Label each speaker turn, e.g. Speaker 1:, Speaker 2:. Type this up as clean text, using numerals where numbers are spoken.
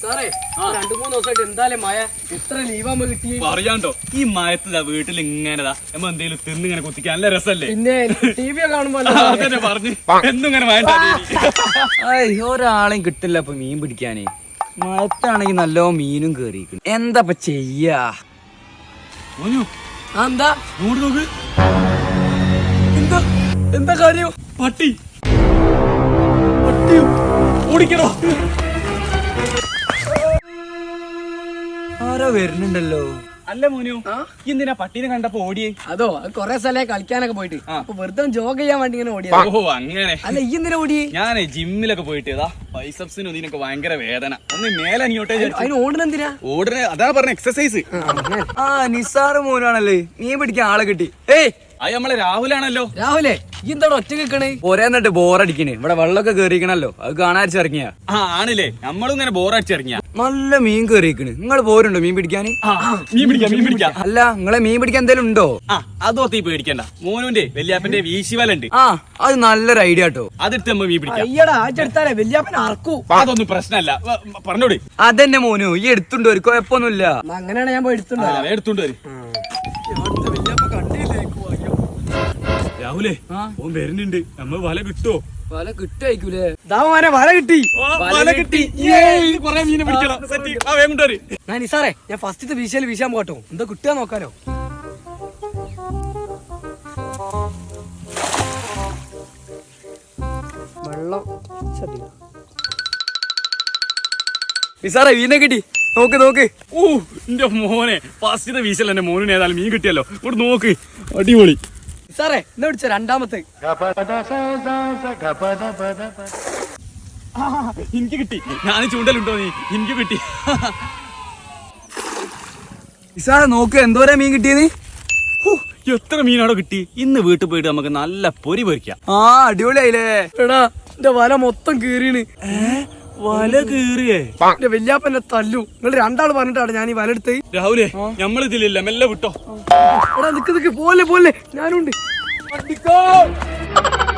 Speaker 1: പറയാണ്ടോ ഈ മയത്തിലാ വീട്ടിൽ ഇങ്ങനെതാ നമ്മ എന്തെങ്കിലും തിന്നിങ്ങനെ കുത്തിക്കാൻ നല്ല രസല്ലേ.
Speaker 2: പിന്നെ ടി വി കാണുമ്പോ
Speaker 1: അതന്നെ പറഞ്ഞു എന്നും ഇങ്ങനെ വേണ്ട.
Speaker 3: ഒരാളെയും കിട്ടില്ല ഇപ്പൊ മീൻ പിടിക്കാനേ. മഴത്താണെങ്കിൽ നല്ലോ മീനും കേറിയിരിക്കുന്നു. എന്താ ചെയ്യാ?
Speaker 2: എന്താ
Speaker 1: നോക്ക്
Speaker 2: എന്താ എന്താ കാര്യം?
Speaker 1: പട്ടി പട്ടിയോ ഓടിക്കണോ?
Speaker 3: ആരോ വരുന്നുണ്ടല്ലോ.
Speaker 1: അല്ല മോനു എന്തിനാ പട്ടീനെ കണ്ടപ്പോ ഓടിയേ?
Speaker 2: അതോ അത് കൊറേ സ്ഥലേ കളിക്കാനൊക്കെ പോയിട്ട് അപ്പൊ വെറുതെ ജോഗ് ചെയ്യാൻ വേണ്ടി ഇങ്ങനെ ഓടിയാ.
Speaker 1: ഓഹോ അങ്ങനെ.
Speaker 2: അല്ല ഈ എന്തിനാ ഓടിയേ?
Speaker 1: ഞാനേ ജിമ്മിലൊക്കെ പോയിട്ട് ബൈസെപ്സിനും ഇതിനൊക്കെ ഭയങ്കര വേദന. ഒന്ന് മേലെ അനിയോട്ടെ
Speaker 2: അതിന് ഓടുന്നെന്തിനാ?
Speaker 1: ഓടുന്ന അതാ പറഞ്ഞ എക്സസൈസ്.
Speaker 3: ആ നിസാറ് മോനാണല്ലേ മീൻ പിടിക്കാൻ ആളെ കിട്ടി. ഏയ്
Speaker 1: അത് നമ്മളെ രാഹുലാണല്ലോ.
Speaker 2: രാഹുലേ ഈ എന്താ ഒറ്റ നിക്കണേ?
Speaker 3: പോരാന്നിട്ട് ബോറടിക്കണേ. ഇവിടെ വെള്ളമൊക്കെ കേറിക്കണല്ലോ, അത് കാണാരിച്ചിറങ്ങിയ.
Speaker 1: ആ ആണില്ലേ, നമ്മളും ഇങ്ങനെ ബോറടിച്ചിറങ്ങിയ.
Speaker 3: നല്ല മീൻ കേറിക്കണ്. നിങ്ങൾ പോരുണ്ടോ മീൻ പിടിക്കാൻ?
Speaker 1: മീൻ പിടിക്കാം.
Speaker 3: അല്ല നിങ്ങളെ മീൻ പിടിക്കാൻ എന്തേലും ഉണ്ടോ?
Speaker 1: ആ അതോർത്തി പേടിക്കണ്ട. മോനുന്റെ വല്യാപ്പന്റെ വീശിവലുണ്ട്.
Speaker 3: ആ അത് നല്ലൊരു ഐഡിയ കേട്ടോ.
Speaker 1: അതെടുത്ത് നമ്മ മീൻ പിടിക്കാം.
Speaker 2: അയ്യടാ ആച്ചെടുത്താലേ വല്യാപ്പൻ അറക്കൂ.
Speaker 1: അതൊന്നും പ്രശ്നമല്ല, പറഞ്ഞോട്.
Speaker 3: അതെന്നെ മോനു ഈ എടുത്തുണ്ടോ, ഒരു കുഴപ്പമൊന്നുമില്ല.
Speaker 2: അങ്ങനെയാണ് ഞാൻ പോയി എടുത്തുണ്ടോ.
Speaker 1: എടുത്തോണ്ട് വരും. രാഹുലേ ഓൻ വരുന്നുണ്ട്. നമ്മ വല കിട്ടോ?
Speaker 3: വല കിട്ടായിക്കൂലേ?
Speaker 2: വല കിട്ടി.
Speaker 1: വല കിട്ടി. കൊറേ മീനെ പിടിക്കണം.
Speaker 2: ഞാൻ നിസാറേ ഞാൻ ഫസ്റ്റത്തെ വീശിയാൽ വീശാൻ പോട്ടോ. എന്താ കിട്ടുക നോക്കാലോ. വെള്ളം
Speaker 3: നിസാറേ മീനെ കിട്ടി. നോക്ക് നോക്ക്.
Speaker 1: ഓ എന്റെ മോനെ ഫസ്റ്റത്തെ വീശൽ എന്റെ മോനിന് ഏതായാലും മീൻ കിട്ടിയല്ലോ. ഇവിടെ നോക്ക്, അടിപൊളി.
Speaker 2: സാറേ എന്നാ പിടിച്ച രണ്ടാമത്തെ.
Speaker 1: എനിക്ക് കിട്ടി. ഞാൻ ചൂണ്ടലുണ്ടോ നീ? എനിക്ക് കിട്ടി.
Speaker 3: നിസാറേ നോക്ക് എന്തോരാ മീൻ കിട്ടിയത്.
Speaker 1: എത്ര മീനാണോ കിട്ടി. ഇന്ന് വീട്ടിൽ പോയിട്ട് നമുക്ക് നല്ല പൊരി പൊരിക്കാം.
Speaker 3: ആ അടിപൊളിയായില്ലേ.
Speaker 2: എടാ എന്റെ വല മൊത്തം കീറിയാണ്.
Speaker 1: വല കീറിയേ?
Speaker 2: എന്റെ വല്യാപ്പന്റെ തല്ലു. നിങ്ങൾ രണ്ടാള് പറഞ്ഞിട്ടാണ് ഞാൻ ഈ വല എടുത്ത്.
Speaker 1: രാഹുലേ നമ്മൾ ഇതിലില്ല, മെല്ലെ വിട്ടോ.
Speaker 2: എടാ നിക്ക് പോലെ ഞാനുണ്ട്.